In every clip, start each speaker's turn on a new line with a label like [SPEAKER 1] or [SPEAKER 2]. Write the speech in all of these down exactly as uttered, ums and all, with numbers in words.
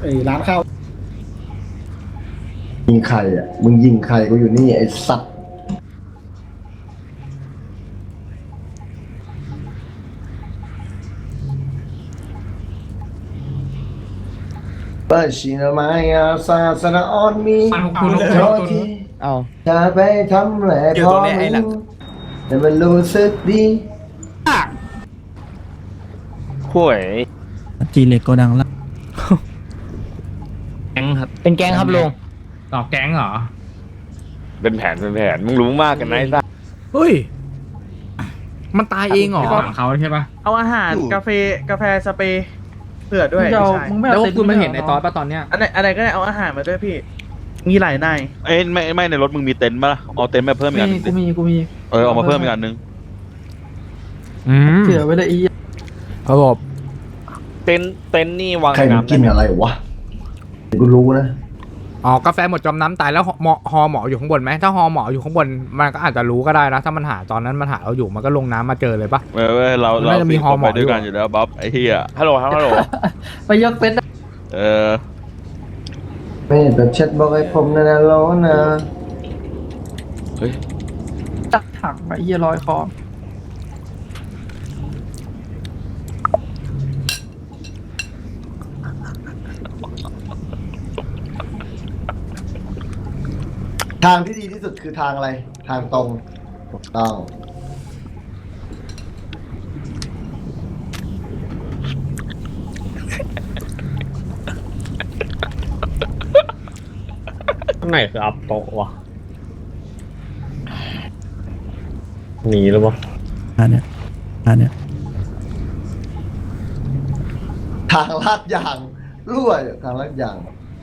[SPEAKER 1] ไอ้ร้านข้าว
[SPEAKER 2] ยิงใครอ่ะมึงยิงใครกูอยู่นี่ไอ้สัตว์เปิดชีนามายาซาสนาออนมีโทษทีเอาจะไปทำแหล่ทอมึงแต่มันรู้สึกดี
[SPEAKER 3] ห่วย
[SPEAKER 4] จีเล็กโกดังละ
[SPEAKER 5] แก๊งครับ
[SPEAKER 4] เป็นแก๊งครับลุง
[SPEAKER 5] ต่อแก๊งเหรอ
[SPEAKER 3] เป็นแผนเป็นแผนมึงรู้มากกันนะไอ้สัส
[SPEAKER 6] เฮ้ยมันตายเองเหรอ
[SPEAKER 5] ฝั่งเขาใช่ปะ
[SPEAKER 7] เอาอาหารกาแฟกาแฟสเปรย์เผื่อด้วย
[SPEAKER 6] มึง
[SPEAKER 7] ใช่
[SPEAKER 6] เอามึงไม่เอาแล้วคุณมาเห็นในตอนปะตอนเนี้ย
[SPEAKER 7] อันไหนอันไหนก็ได้เอาอาหารมาด้วยพี่มีหลายนาย
[SPEAKER 8] เอ้ยไม่ไม่ในรถมึงมีเต็นท์ปะล่ะเอาเต็นท์มาเพิ่มอีกอันหนึง
[SPEAKER 6] กูมีกูมี
[SPEAKER 8] เออเอามาเพิ่มอีกอันหนึง
[SPEAKER 6] อืม
[SPEAKER 7] เผื่อไว้เลยอี
[SPEAKER 6] ครับผม
[SPEAKER 3] เต็นเต็นนี่วาง
[SPEAKER 2] ใครมันกินอะไรวะเดี๋ยวกูรู้นะ
[SPEAKER 6] อ๋อกาแฟหมดจมน้ำตายแล้วหมอฮอหมออยู่ข้างบนไหมถ้าฮอหมออยู่ข้างบนมันก็อาจจะรู้ก็ได้นะถ้ามันหาตอนนั้นมันหาเราอยู่มันก็ลงน้ำมาเจอเลยปะ
[SPEAKER 8] เออเว้ยเรา
[SPEAKER 6] มัน
[SPEAKER 8] เรา
[SPEAKER 6] น่าจะมี
[SPEAKER 8] สี่
[SPEAKER 6] ฮอ
[SPEAKER 8] คน
[SPEAKER 6] หมอ
[SPEAKER 8] ไปด้วยกัน
[SPEAKER 6] อยู่
[SPEAKER 8] อยู่แล้วบ๊อบไอ้เหี้ย
[SPEAKER 3] ฮัลโหลครับฮัลโหล
[SPEAKER 7] ไปยกเต็นท์
[SPEAKER 8] เออ
[SPEAKER 2] ไม่แบบเช็ดบอกไอ้ผมนะนะร้อนนะ
[SPEAKER 8] เฮ้ย
[SPEAKER 7] ตักถังไอ้เหี้ยลอยคอ
[SPEAKER 2] ทางที่ดีที่สุดคือทางอะไรทางตรงถูกต้อง
[SPEAKER 5] ข้างไหนคืออัพโตะวะหนีหรือเปล่า
[SPEAKER 4] อันเนี้ยอันเนี้ย
[SPEAKER 2] ทางลาดยางรั่วอยู่ทางลาดยาง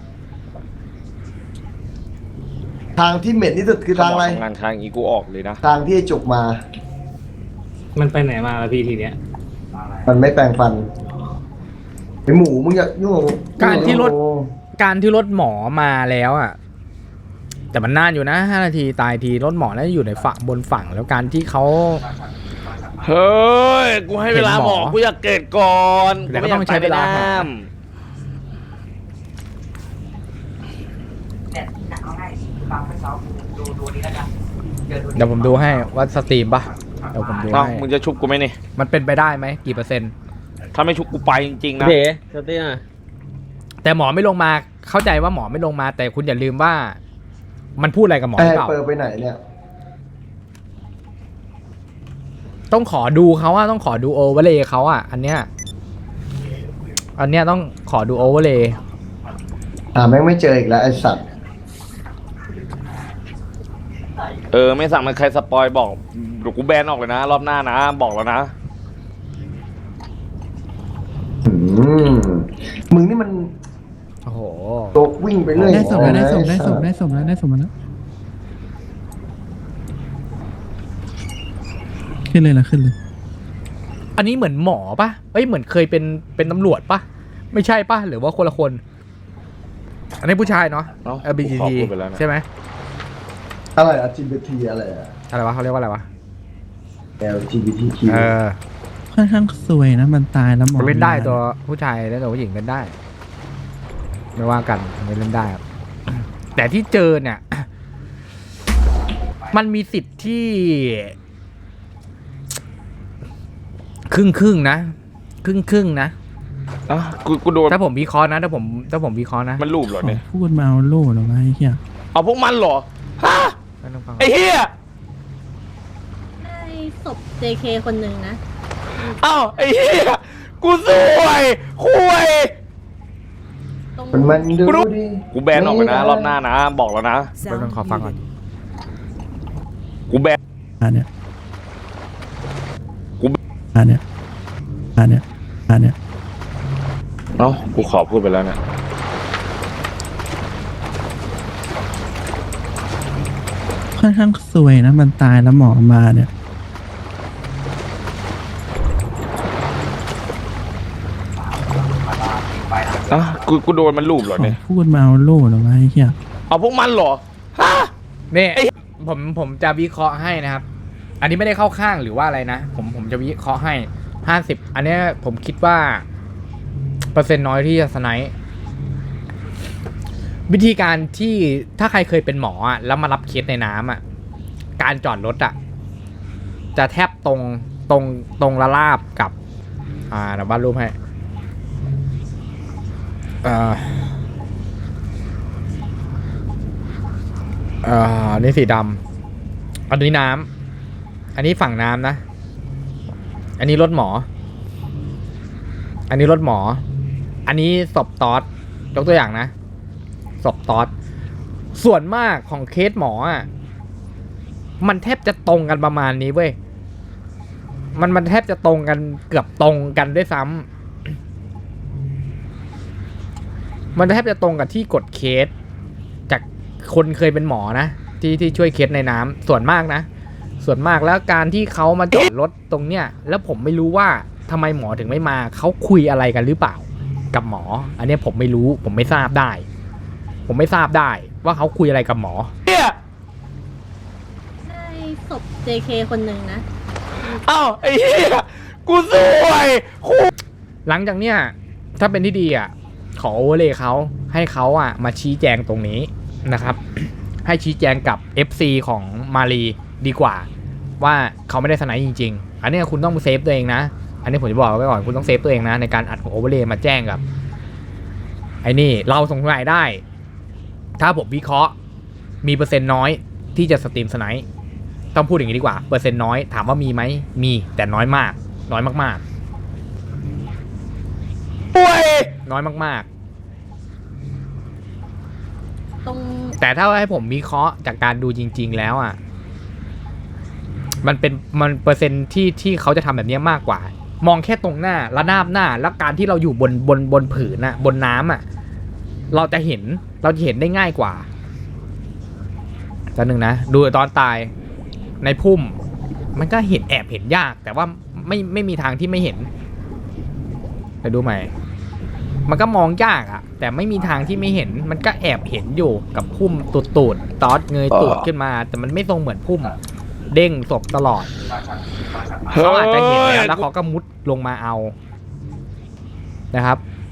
[SPEAKER 2] ทางที่เหม็นที่สุดคือทางอะไร
[SPEAKER 3] ทำงานค้างอีกูออกเลยนะ
[SPEAKER 2] ทางที่ไอ้จุกมา
[SPEAKER 5] มันไปไหนมาแล้วพี่ทีเนี้ย
[SPEAKER 2] มันไม่แปลงฟันไอหมูมึงอย่ายุ่งกับกู
[SPEAKER 6] การที่รถการที่รถหมอมาแล้วอ่ะแต่มันนานอยู่นะห้านาทีตายทีรถหมอน่าจะอยู่ในฝั่งบนฝั่งแล้วการที่เขา
[SPEAKER 3] เฮ้ยกูให้เวลา
[SPEAKER 6] เห็น
[SPEAKER 3] ห
[SPEAKER 6] ห
[SPEAKER 3] ม
[SPEAKER 6] ม
[SPEAKER 3] อ
[SPEAKER 6] อ
[SPEAKER 3] กูอยากเกิดก่อน
[SPEAKER 6] แต่ก็ต้องใช้เวลา
[SPEAKER 3] กูไม่อยกตยในน้
[SPEAKER 6] เดี๋ยวผมดูให้ว่าสตรีมปะเดี๋ยวผมดู
[SPEAKER 3] ำเอ้า
[SPEAKER 6] ให้
[SPEAKER 3] มึงจะชุบกูไหมนี่
[SPEAKER 6] มันเป็นไปได้ไหมกี่เปอร์เซ็นต์
[SPEAKER 3] ถ้าไม่ชุบกูไปจริงๆนะ
[SPEAKER 5] เด๋เจ้าเตี้ย
[SPEAKER 6] แต่หมอไม่ลงมาเข้าใจว่าหมอไม่ลงมา แต่คุณอย่าลืมว่า มันพูดอะไรกับหมอห
[SPEAKER 2] ไอ้
[SPEAKER 6] รือเปล่า
[SPEAKER 2] เปิดไปไหนเนี่ย
[SPEAKER 6] ต้องขอดูเขาอะต้องขอดูโอเวอร์เลย์เขาอะอันเนี้ยอันเนี้ยต้องขอดูโอเวอร์เลย์
[SPEAKER 2] อ่าแม่งไม่เจออีกแล้วไอ้สัตว์
[SPEAKER 3] เออไม่สั่งมันใครสปอยบอกเดี๋ยวกูแบนออกเลยนะ รอบหน้านะ บอกแล้วนะ
[SPEAKER 2] อืมมึงนี่มัน
[SPEAKER 6] โอ้โห
[SPEAKER 2] โตกวิ่งไปเรื่อย
[SPEAKER 4] ได้ส่งแล้วได้ส่งได้
[SPEAKER 2] อ้
[SPEAKER 4] ส่ง
[SPEAKER 2] สัตว์
[SPEAKER 4] ได้ส่งแล้วได้ส่งมาแล้วขึ้นเลยละขึ้นเลย
[SPEAKER 6] อันนี้เหมือนหมอปะเอ้ยเหมือนเคยเป็นเป็นตำรวจปะไม่ใช่ปะหรือว่าคนละคน อันนี้ผู้ชายเนาะ
[SPEAKER 3] เอ้า
[SPEAKER 6] เอล บี ที
[SPEAKER 3] กูขอ
[SPEAKER 6] ที
[SPEAKER 3] พูดไปแล้วนะ
[SPEAKER 6] ใช่ไหม
[SPEAKER 2] อะไร แอล จี บี ที อะไรอะ
[SPEAKER 6] อะไรวะเขาเรียกว่าอะไรวะ
[SPEAKER 2] แอล จี บี ที คิว
[SPEAKER 6] เออ
[SPEAKER 4] ค่อนข้างสวยนะมันตายแล้วหมอ
[SPEAKER 6] มันเล่นได้
[SPEAKER 4] มา
[SPEAKER 6] ตัวผู้ชายและตัวผู้หญิงเล่นได้ ไม่ว่ากันไม่เล่นได้ครับ แต่ที่เจอเนี่ย มันมีสิทธิ์ที่ ครึ่งครึ่งๆนะ ครึ่งครึ่งๆนะ
[SPEAKER 3] อ่ะกูกูโดน
[SPEAKER 6] ถ้าผมวิเคราะห์นะถ้าผมถ้าผมวิเคราะห์นะ
[SPEAKER 3] มันรูปเหรอ
[SPEAKER 4] ขอ
[SPEAKER 3] เนี่ย
[SPEAKER 4] พูดมาเอาโล่เหรอวะไอ้เหี้ย
[SPEAKER 3] เอาพวกมันเหรอฮะ
[SPEAKER 6] ไม่ต้องฟัง
[SPEAKER 3] ไอ้เหี้ย
[SPEAKER 9] ได้ศพ เจ เค คนหนึ่งนะ
[SPEAKER 3] เอ้าไอ้เหี้ยกูสวยคุย
[SPEAKER 9] ตรง
[SPEAKER 2] มันมันดูดิ
[SPEAKER 3] กูแบนออกเลยนะ รอบหน้านะ บอกแล้วนะ
[SPEAKER 6] ไม่ต้องขอฟังก่อน
[SPEAKER 3] กูแบน
[SPEAKER 4] อันเนี้ย
[SPEAKER 3] กู
[SPEAKER 4] อันเนี้ยอันเนี้ยอันเนี้ย
[SPEAKER 3] เอ้ากูขอพูดไปแล้วเนี่ย
[SPEAKER 4] ค่อนข้างสวยนะมันตายแล้วหมอมาเนี่ย
[SPEAKER 3] อ่ะกูกูโดนมันรูปเหรอ
[SPEAKER 4] ขอ
[SPEAKER 3] เนี่ย
[SPEAKER 4] พูดมาเอาโล่เหรอวะไอ้เหี้ย
[SPEAKER 3] เอาพวกมันเหรอฮะ
[SPEAKER 6] นี่ผมผมจะวิเคราะห์ให้นะครับ อันนี้ไม่ได้เข้าข้างหรือว่าอะไรนะ ผมผมจะวิเคราะห์ให้ห้าสิบอันเนี้ยผมคิดว่า เปอร์เซ็นต์น้อยที่จะสไนป์วิธีการที่ถ้าใครเคยเป็นหมออ่ะแล้วมารับเคสในน้ำอ่ะการจอดรถอ่ะจะแทบตรงตรงตรงละลาบกับอ่าเดี๋ยวบ้านรูปให้เอ่อเอ่ออันนี้สีดำอันนี้น้ำอันนี้ฝั่งน้ำนะอันนี้รถหมออันนี้รถหมออันนี้ศพตอดยกตัวอย่างนะศพตอดส่วนมากของเคสหมออ่ะมันแทบจะตรงกันประมาณนี้เว้ยมันมันแทบจะตรงกันเกือบตรงกันด้วยซ้ำมันแทบจะตรงกับที่กดเคสจากคนเคยเป็นหมอนะที่ที่ช่วยเคสในน้ำส่วนมากนะส่วนมากแล้วการที่เขามาจอดรถตรงเนี้ยแล้วผมไม่รู้ว่าทำไมหมอถึงไม่มาเขาคุยอะไรกันหรือเปล่ากับหมออันนี้ผมไม่รู้ผมไม่ทราบได้ ผมไม่ทราบได้ว่าเขาคุยอะไรกับหมอ
[SPEAKER 9] ได้ศพ เจ เค คนหนึ่งนะ
[SPEAKER 3] เอ้าไอ้เหี้ยกูสวยคู่
[SPEAKER 6] หลังจากเนี้ยถ้าเป็นที่ดีอ่ะขอโอเวอร์เลยเขาให้เขาอ่ะมาชี้แจงตรงนี้นะครับ ให้ชี้แจงกับ เอฟ ซี ของมารีดีกว่าว่าเขาไม่ได้สไนด์จริงๆอันนี้คุณต้องเซฟตัวเองนะอันนี้ผมจะบอกไว้ก่อนคุณต้องเซฟตัวเองนะในการอัดโอเวอร์เลยมาแจ้งกับไอ้นี่เราสงสัยได้ถ้าผมวิเคราะห์มีเปอร์เซ็นต์น้อยที่จะสตรีมสไนด์ต้องพูดอย่างนี้ดีกว่าเปอร์เซ็นต์น้อยถามว่ามีไหมมีแต่น้อยมากน้อยมากๆป่วยน้อยมากๆ
[SPEAKER 9] ตรง
[SPEAKER 6] แต่ถ้าให้ผมวิเคราะห์จากการดูจริง ๆ แล้วอ่ะมันเป็นมันเปอร์เซ็นต์ที่ที่เขาจะทำแบบนี้มากกว่ามองแค่ตรงหน้าระนาบหน้าแล้วการที่เราอยู่บนบนบนผืนน่ะบนน้ำอ่ะเราจะเห็นเราจะเห็นได้ง่ายกว่าตัวหนึ่งนะดูตอนตายในพุ่มมันก็เห็นแอบเห็นยากแต่ว่าไม่ไม่มีทางที่ไม่เห็นไปดูใหม่มันก็มองยากอะแต่ไม่มีทางที่ไม่เห็นมันก็แอบเห็นอยู่กับพุ่มตูดตูดตอดเงยตูดขึ้นมาแต่มันไม่ทรงเหมือนพุ่มเด้งศพตลอดเขาอาจจะเห็นแล้วแล้วเขาก็มุดลงมาเอานะครับ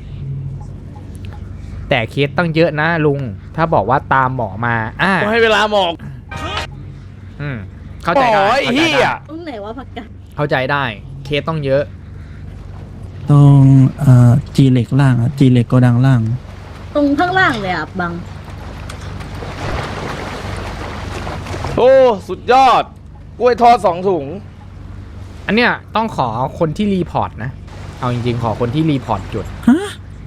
[SPEAKER 6] แต่เคสตั้งเยอะนะลุงถ้าบอกว่าตามหมอมาอ่า
[SPEAKER 3] ให้เวลาหมอก
[SPEAKER 6] อืมเข้าใจได้
[SPEAKER 3] โอ้ย
[SPEAKER 6] เข้าใจ
[SPEAKER 3] เหี้
[SPEAKER 6] ได้
[SPEAKER 3] ย
[SPEAKER 9] ตรงไหนวะผักกาด
[SPEAKER 6] เข้าใจได้เคสต้องเยอะ
[SPEAKER 4] ตรงเอ่อจีเหล็กล่างอ่ะจีเหล็กโกดังล่าง
[SPEAKER 9] ตรงข้างล่างเลยอ่ะบัง
[SPEAKER 3] โอ้สุดยอดกล้วยทอดสองถุง
[SPEAKER 6] อันเนี้ยต้องขอคนที่รีพอร์ตนะเอาจริงๆขอคนที่รีพอร์ตจุด
[SPEAKER 4] ฮะ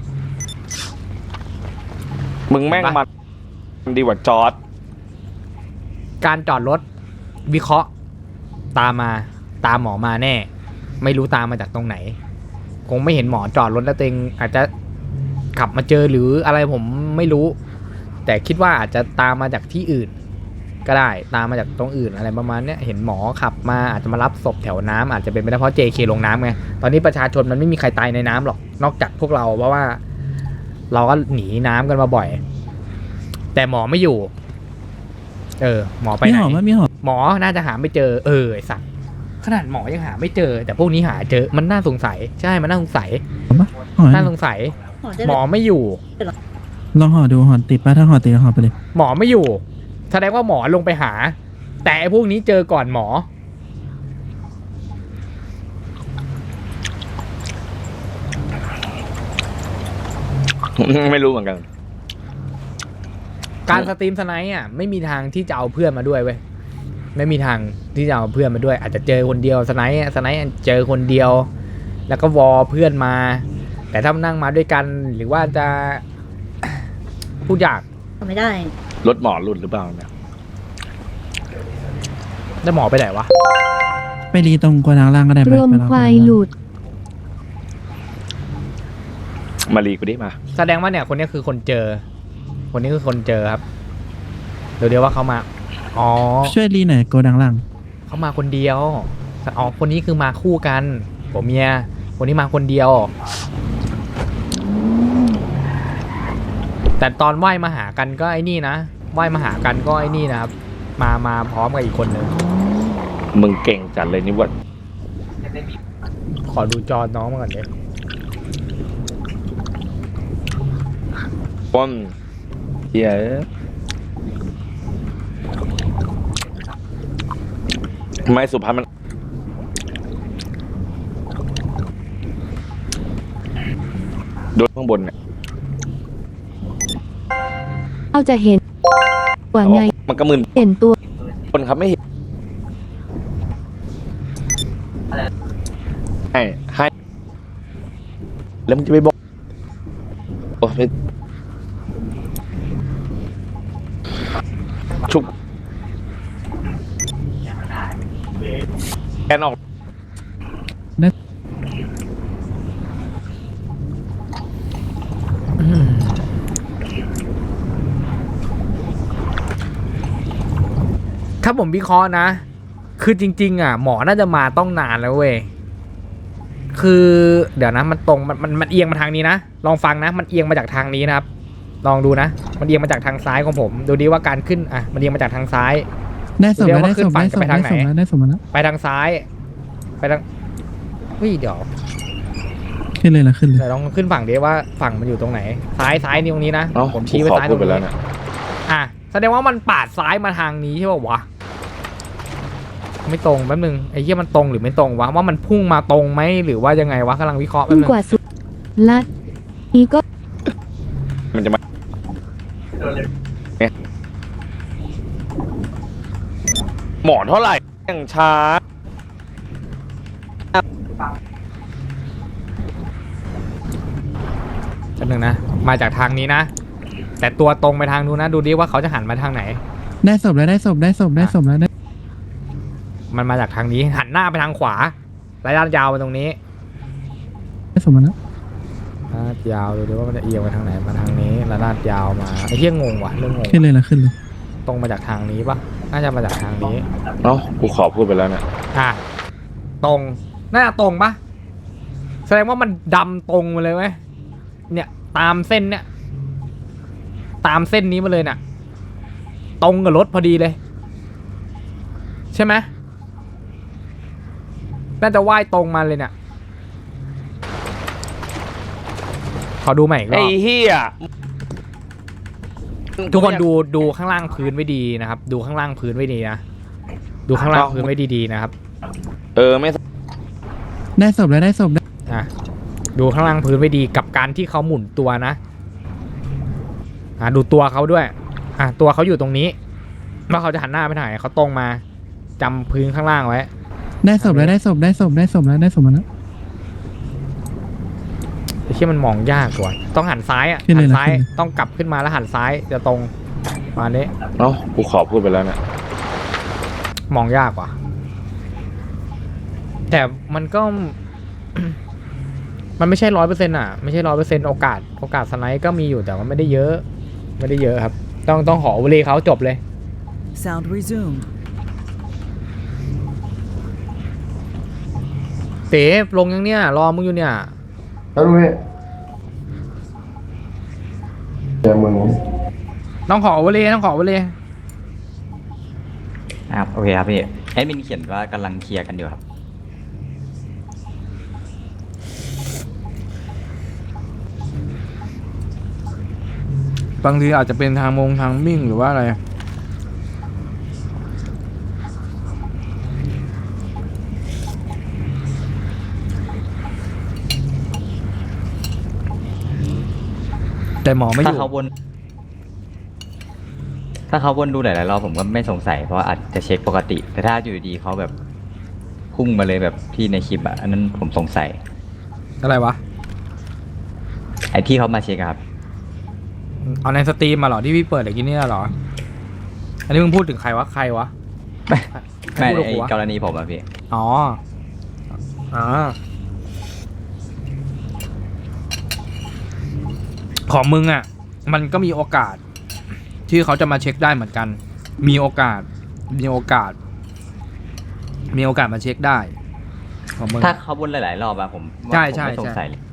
[SPEAKER 3] มึงแม่งมันดีกว่าจอร์ด
[SPEAKER 6] การจอดรถวิเคราะห์ตามมาตามหมอมาแน่ ไม่รู้ตามมาจากตรงไหน คงไม่เห็นหมอจอดรถแล้วตัวเองอาจจะขับมาเจอหรืออะไรผมไม่รู้ แต่คิดว่าอาจจะตามมาจากที่อื่น ก็ได้ตามมาจากตรงอื่นอะไรประมาณเนี้ยเห็นหมอขับมาอาจจะมารับศพแถวน้ำอาจจะเป็นไปได้เพราะ เจ เค ลงน้ำไงตอนนี้ประชาชนมันไม่มีใครตายในน้ำหรอกนอกจากพวกเราเพราะว่า เราก็หนีน้ำกันมาบ่อย แต่หมอไม่อยู่ เออ หมอไป
[SPEAKER 4] มี
[SPEAKER 6] ไหน
[SPEAKER 4] หอมไหมมีหอม
[SPEAKER 6] หมอน่าจะหาไม่เจอเออไอสัตว์ขนาดหมอยังหาไม่เจอ แต่พวกนี้หาเจอมันน่าสงสัยใช่มันน่าสงสัย
[SPEAKER 4] ปะหอม
[SPEAKER 6] น่าสงสัย
[SPEAKER 9] หมอจะ
[SPEAKER 6] หมอไม่อยู่
[SPEAKER 4] ลองห่อดูห่อติดปะถ้าห่อติดก็ห่อไปเลย
[SPEAKER 6] หมอไม่อยู่ แสดงว่าหมอลงไปหา แต่ไอ้พวกนี้เจอก่อนหมอ
[SPEAKER 3] ไม่รู้เหมือนกัน
[SPEAKER 6] การสตรีมสไนป์อ่ะไม่มีทางที่จะเอาเพื่อนมาด้วยเว้ยไม่มีทางที่จะเอาเพื่อนมาด้วย อาจจะเจอคนเดียวสไนป์อะสไนป์เจอคนเดียว แล้วก็วอเพื่อนมา แต่ถ้านั่งมาด้วยกันหรือว่าจะ พูดยาก
[SPEAKER 9] ทำไม่ได้
[SPEAKER 3] รถหมอหลุดหรือเปล่าเนี่ย
[SPEAKER 6] แล้วหมอไปไหนวะ
[SPEAKER 4] ไปรีตรงโกดังล่างก็ได้ไป
[SPEAKER 1] รวม
[SPEAKER 4] ไปรอ
[SPEAKER 1] ควายหลุด
[SPEAKER 3] มารีกูดิมา
[SPEAKER 6] แสดงว่าเนี่ยคนนี้คือคนเจอ คนนี้คือคนเจอครับเดี๋ยวเดี๋ยวว่าเขามาอ๋อ
[SPEAKER 4] ช่วยรีหน่อยโกดังล่าง
[SPEAKER 6] เขามาคนเดียวอ๋อคนนี้คือมาคู่กันผมเมียคนนี้มาคนเดียว แต่ตอนไหว้มาหากันก็ไอ้นี่นะไหว้มาหากันก็ไอ้นี่นะครับ มามาพร้อมกับอีกคนนึง
[SPEAKER 3] มึงเก่งจัดเลยนี่ว่า
[SPEAKER 6] ขอดูจอน้องมาก่อนเลย
[SPEAKER 3] ป้นฮียไม่สุพรรณมันโดนข้างบนเนี่ย
[SPEAKER 1] เราจะเห็นว่าไง
[SPEAKER 3] มันก็มึน
[SPEAKER 1] เห็นตัว
[SPEAKER 3] คนครับไม่เห็นให้ให้แล้วมึงจะไปบอกโอ้ยชุบแกนออก
[SPEAKER 6] ถ้าผมวิเคราะห์นะ คือจริงๆอ่ะหมอน่าจะมาต้องนานแล้วเว้ย คือเดี๋ยวนะมันตรงมันมันมันเอียงมาทางนี้นะ ลองฟังนะ มันเอียงมาจากทางนี้นะครับ ลองดูนะ มันเอียงมาจากทางซ้ายของผม ดูดิว่าการขึ้นอ่ะ มันเอียงมาจากทางซ้าย
[SPEAKER 4] ได้สมแล้ว
[SPEAKER 6] เดี๋ยวว่า
[SPEAKER 4] ได้สม
[SPEAKER 6] ขึ้นฝั่
[SPEAKER 4] ได้
[SPEAKER 6] ง
[SPEAKER 4] สม
[SPEAKER 6] จะไป
[SPEAKER 4] ได้
[SPEAKER 6] ทางไหน
[SPEAKER 4] สมแล้วได้สมแล้ว
[SPEAKER 6] ไปทางซ้าย ไปทางเฮ้ยเดี๋ยว
[SPEAKER 4] ขึ้นเลยละขึ้นเลย
[SPEAKER 6] เดี๋ยวลองขึ้นฝั่งดิว่าฝั่งมันอยู่ตรงไหน ซ้ายซ้ายนี่ตรงนี้นะ
[SPEAKER 3] เอ้า
[SPEAKER 6] ผมชี้ไป
[SPEAKER 3] ขอ
[SPEAKER 6] ซ้ายต
[SPEAKER 3] พู
[SPEAKER 6] ร
[SPEAKER 3] ด
[SPEAKER 6] ง
[SPEAKER 3] ไปแล้ว
[SPEAKER 6] นี้
[SPEAKER 3] นะ
[SPEAKER 6] อ่ะแสดงว่ามันปาดซ้ายมาทางนี้ใช่ป่าวะ ไม่ตรงแป๊บนึงไอ้เหี้ยมันตรงหรือไม่ตรงวะว่ามันพุ่งมาตรงไหมหรือว่ายังไงวะกำลังวิเคราะห์แป๊บ
[SPEAKER 1] ยิ่ง
[SPEAKER 6] นึง
[SPEAKER 1] กว่าสุดลัดนี้ก็
[SPEAKER 3] มันจะมาเนี่ยหมอเท่าไหร่อย่างช้า
[SPEAKER 6] แป๊บนึงนะมาจากทางนี้นะ แต่ตัวตรงไปทางนู้นนะดูดิว่าเขาจะหันมาทางไหน
[SPEAKER 4] ได้สมแล้วได้สมได้สมได้สมแล้วได้
[SPEAKER 6] มันมาจากทางนี้หันหน้าไปทางขวาระยะยาวไปตรงนี้
[SPEAKER 4] ได้สมแล้ว
[SPEAKER 6] ระยะยาวดูดิว่ามันจะเอียงไปทางไหนมาทางนี้ระยะยาวมาไอ้เหี้ยงงว่ะเรื่องงง
[SPEAKER 4] ขึ้นเลยละขึ้นเลย
[SPEAKER 6] ตรงมาจากทางนี้ปะน่าจะมาจากทางนี้
[SPEAKER 3] เอ้ากูขอพูดไปแล้วนะ
[SPEAKER 6] อ่ะตรงน่าจะตรงปะแสดงว่ามันดำตรงมาเลยไหมเนี่ยตามเส้นเนี่ยตามเส้นนี้มาเลยน่ะ ตรงกับรถพอดีเลย ใช่ไหมน่าจะว่ายตรงมาเลยเนี่ยขอดูใหม่อีกร
[SPEAKER 3] ไอ้
[SPEAKER 6] อบ
[SPEAKER 3] เฮีย
[SPEAKER 6] ทุกคนดูดูข้างล่างพื้นไว้ดีนะครับ ดูข้างล่างพื้นไว้ดีนะดูข้างล่างพื้นไว้ดีๆนะครับ
[SPEAKER 3] เออไม่
[SPEAKER 4] ได้สมแล้วได้สมได้
[SPEAKER 6] อ่ะดูข้างล่างพื้นไว้ดีกับการที่เขาหมุนตัวนะอ่ะดูตัวเขาด้วยอ่ะตัวเขาอยู่ตรงนี้ว่าเขาจะหันหน้าไปทางไหนเขาตรงมาจำพื้นข้างล่างไว้
[SPEAKER 4] ได้สมแล้วได้สมได้สมได้สมแล้วได้สมแล้ว
[SPEAKER 6] ไอ้ที่มันมองยากกว่าต้องหันซ้ายอ่ะ
[SPEAKER 4] ขึ้นเล
[SPEAKER 6] หั
[SPEAKER 4] ย
[SPEAKER 6] น
[SPEAKER 4] นะ
[SPEAKER 6] ซ้าย
[SPEAKER 4] ขึ้นเลย
[SPEAKER 6] ต้องกลับขึ้นมาแล้วหันซ้ายจะตรงมาเนี้ย
[SPEAKER 3] เอ้ากูขอพูดไปแล้วนะ
[SPEAKER 6] มองยากกว่า แต่มันก็ มันไม่ใช่ร้อยเปอร์เซ็นต์อ่ะไม่ใช่ร้อยเปอร์เซ็นต์โอกาสโอกาสสไนป์ก็มีอยู่แต่ว่าไม่ได้เยอะ ไม่ได้เยอะครับ ต้องต้องขอวลีเขาจบเลย
[SPEAKER 10] Sound resumed.
[SPEAKER 6] เต๋ลงยังเนี่ยรอมึงอยู่เนี่ย
[SPEAKER 2] แล้วดูนี่เจอมึง
[SPEAKER 6] ต้องขอวลีต้องขอวลี
[SPEAKER 11] ครับโอเคครับพี่แอดมินเขียนว่ากำลังเคลียร์กันอยู่ครับ
[SPEAKER 6] บางทีอาจจะเป็นทางมงทางมิ่งหรือว่าอะไรแต่หมอไม่อ
[SPEAKER 11] ถ้า
[SPEAKER 6] ยู่
[SPEAKER 11] เขาวนถ้าเขาวนดูหลายๆรอบผมก็ไม่สงสัยเพราะว่าอาจจะเช็คปกติ แต่ถ้าอยู่ดีๆเขาแบบพุ่งมาเลยแบบที่ในคลิปอะอันนั้นผมสงสัย
[SPEAKER 6] อะไรวะ
[SPEAKER 11] ไอ้ที่เขามาเช็คอะครับ
[SPEAKER 6] เอาในสตรีมมาเหรอที่พี่เปิดเมื่อกี้เนี่ยเหรออันนี้มึงพูดถึงใครวะใครวะ
[SPEAKER 11] ไม่
[SPEAKER 6] พูดกับ
[SPEAKER 11] ไอ้
[SPEAKER 6] กูวะ
[SPEAKER 11] กรณีผมอะพี่
[SPEAKER 6] อ๋ออ๋อของมึงอ่ะ มันก็มีโอกาส ที่เขาจะมาเช็คได้เหมือนกัน มีโอกาส มีโอกาส มีโอกาสมาเช็คได้ของมึง
[SPEAKER 11] ถ้าเขาวนหลายๆรอบอะผมว่า
[SPEAKER 6] ใช่
[SPEAKER 11] ผม
[SPEAKER 6] ใช่
[SPEAKER 11] ไม่สง
[SPEAKER 6] ใช่
[SPEAKER 11] สัยเลย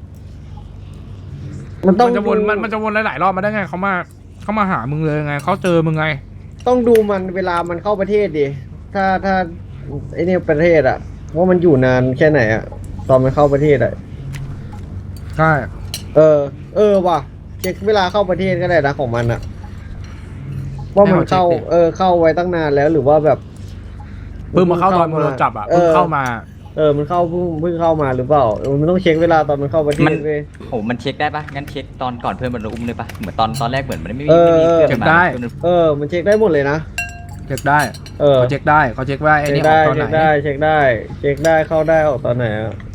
[SPEAKER 7] มันต้
[SPEAKER 6] มั
[SPEAKER 7] อง
[SPEAKER 6] นจะวน
[SPEAKER 7] ดู
[SPEAKER 6] มันมันจะวนหลายๆรอบมาได้ไงเขามาเขามาหามึงเลยไงเขาเจอมึงไง
[SPEAKER 7] ต้องดูมันเวลามันเข้าประเทศดิ ถ้าถ้าไอ้นี่ประเทศอะว่ามันอยู่นานแค่ไหนอะตอนมันเข้าประเทศอะ
[SPEAKER 6] ใช่
[SPEAKER 7] เออ เออว่ะเคช็คเวลาเข้าประเทศก็ได้นะของมันอะว่ามันเข้าเออเข้าไว้ตั้งนานแล้วหรือว่าแบบ
[SPEAKER 6] เพิ่งมาเข้าตอนมันโดนจับอ่ะเพิ่งเข้ามา
[SPEAKER 7] เออมันเข้าเพิ่งเพิ่งเข้ามาหรือเปล่าเออมันต้องเช็คเวลาตอนมันเข้าประเท
[SPEAKER 11] มั
[SPEAKER 7] ศ
[SPEAKER 11] น
[SPEAKER 7] เว้ย
[SPEAKER 11] โหมันเช็คได้ปะงั้นเช็คตอนก่อนเพื่อนมันอุ้มเลยปะเหมือนตอนตอนแรกเหมือนมันไม่มี
[SPEAKER 7] เออ
[SPEAKER 11] ไม่มี
[SPEAKER 7] เออ
[SPEAKER 11] เพื่อนมา
[SPEAKER 6] เช็คได้
[SPEAKER 7] เออมันเช็คได้หมดเลยนะ
[SPEAKER 6] เช็คได้
[SPEAKER 7] เออ
[SPEAKER 6] เขาเช็คได้เขาเช็คว่าไอ้
[SPEAKER 7] เช็ค
[SPEAKER 6] นี่ออ
[SPEAKER 7] ได้
[SPEAKER 6] กตอนไห
[SPEAKER 7] เช็
[SPEAKER 6] น
[SPEAKER 7] คได้เช็คได้เช็คได้เข้าได้ออกตอนไหนอะ